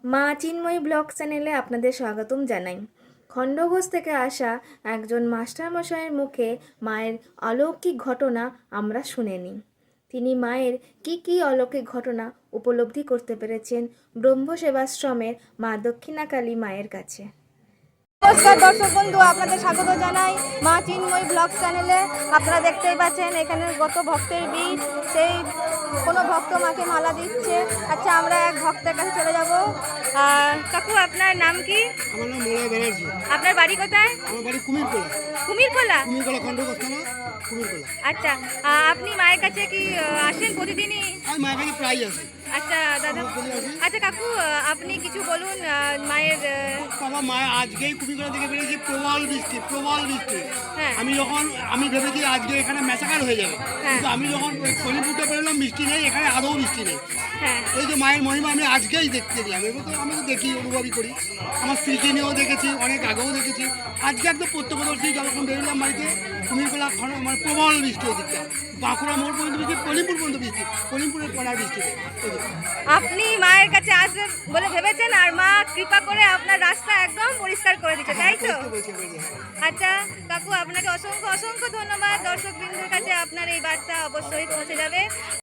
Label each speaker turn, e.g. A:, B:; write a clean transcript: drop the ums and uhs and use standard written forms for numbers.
A: মা চিন্ময়ী ব্লগ চ্যানেলে আপনাদের স্বাগতম জানাই। খণ্ডঘোষ থেকে আসা একজন মাস্টারমশাইয়ের মুখে মায়ের অলৌকিক ঘটনা আমরা শুনে নিই। তিনি মায়ের কি অলৌকিক ঘটনা উপলব্ধি করতে পেরেছেন ব্রহ্ম সেবাশ্রমের মা দক্ষিণাকালী মায়ের কাছে।
B: নমস্কার দর্শক বন্ধু, আপনাদের স্বাগত জানাই মা চিন্ময়ী ব্লগ চ্যানেলে। আপনারা দেখতেই পাচ্ছেন এখানে কত ভক্তের ভিড়। সেই কোনো ভক্ত মাকে মালা দিচ্ছে। আচ্ছা, আমরা এক ভক্তের কাছে চলে যাব। কাকু, আপনার নাম কি?
C: আমার নাম মলয় ব্যানার্জি।
B: আপনার বাড়ি কোথায়?
C: আমার বাড়ি কুমিরকোলা।
B: কুমিরকোলা?
C: কুমিরকোলা খণ্ডঘোষ থানা, কুমিরকোলা।
B: আচ্ছা, আপনি মায়ের কাছে কি আসেন প্রতিদিনই?
C: আমি মায়ের কাছে প্রায় আসি।
B: আচ্ছা দাদা, আচ্ছা কাকু, আপনি কিছু বলুন মায়ের।
C: বাবা মায়ের আজকেই কুমিরকোলা থেকে বেরিয়েছি, প্রবল বৃষ্টি, প্রবল বৃষ্টি।
B: হ্যাঁ।
C: আমি ভেবেছি আজকে এখানে ম্যাসাকার হয়ে যাবে,
B: হ্যাঁ।
C: কিন্তু আমি যখন শনিপুরটা বেরোলাম বৃষ্টি নেই, এখানে আদৌ বৃষ্টি নেই।
B: হ্যাঁ।
C: এই যে মায়ের মহিমা আমি আজকেই দেখতে গেলাম। এবার তো আমি তো দেখি, অনুভবই করি। আমার স্ত্রীকে নিয়েও দেখেছি, অনেক আগেও দেখেছি। আজকে একদম প্রত্যক্ষদর্শী, যখন বেরোলাম বাড়িতে, কুমিরকোলা মানে প্রবল বৃষ্টি ওদিকটা। বাঁকুড়া মোড় পর্যন্ত বৃষ্টি, কলিমপুর পর্যন্ত বৃষ্টি, কলিমপুরের পড়ার বৃষ্টি।
B: আপনি মায়ের কাছে আসবেন বলে ভেবেছেন, আর মা কৃপা করে আপনার রাস্তা একদম পরিষ্কার করে দিচ্ছে, তাই তো? আচ্ছা কাকু, আপনাকে অসংখ্য অসংখ্য ধন্যবাদ। দর্শক বিন্দুর কাছে আপনার এই বার্তা অবশ্যই পৌঁছে যাবে।